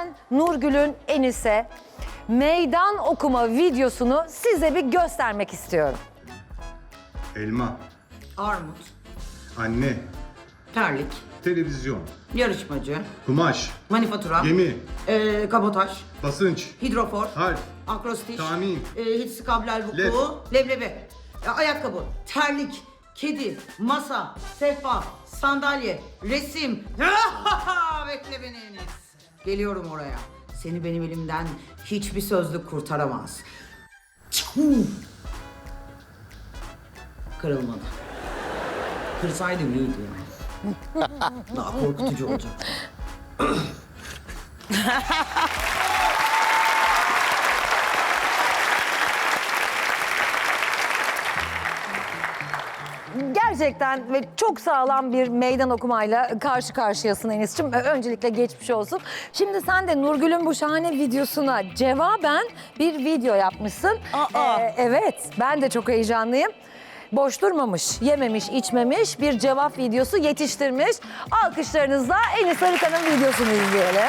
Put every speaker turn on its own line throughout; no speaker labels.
ben Nurgül'ün Enis'e meydan okuma videosunu size bir göstermek istiyorum.
Elma,
Armut,
anne,
terlik,
televizyon,
yarışmacı,
kumaş,
manifatura,
gemi,
kabotaj,
basınç,
hidrofor,
harf,
akrostiş,
tahmin,
hitsi kablel
led.
vuku, leblebi, ayakkabı, terlik, kedi, masa, sehpa, sandalye, resim. Bekle beni Enis. Geliyorum oraya. Seni benim elimden hiçbir sözlük kurtaramaz. Kırılmadı. Kırsaydım iyiydi yani. Daha korkutucu olacak.
Gerçekten ve çok sağlam bir meydan okumayla karşı karşıyasın Enis'ciğim. Öncelikle geçmiş olsun. Şimdi sen de Nurgül'ün bu şahane videosuna cevaben bir video yapmışsın. Evet, ben de çok heyecanlıyım. Boş durmamış, yememiş, içmemiş bir cevap videosu yetiştirmiş. Alkışlarınızla Enis Arıkan'ın videosunu izleyelim.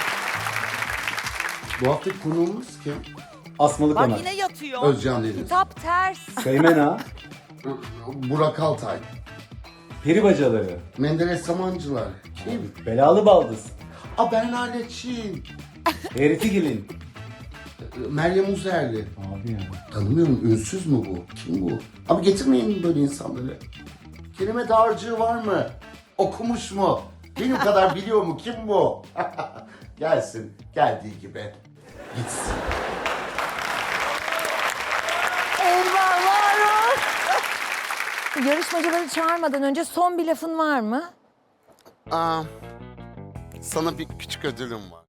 Bu haftaki konuğumuz kim?
Asmalı
Bak
kanat.
yine yatıyor.
Özcan Deniz.
Kitap ters.
Seymen Ağa.
Burak Altay.
Peri bacaları.
Menderes Samancılar. Kim?
Belalı baldız.
Bernardo Çin.
Eritigil'in.
Meryem Uzerli.
Abi ya.
Tanımıyorum. Ünsüz mü bu? Kim bu? Abi getirmeyin böyle insanları. Kelime dağarcığı var mı? Okumuş mu? Benim kadar biliyor mu? Kim bu? Gelsin. Geldiği gibi. Gitsin.
Eyvallah. Yarışmacıları çağırmadan önce son bir lafın var mı?
Sana bir küçük ödülüm var.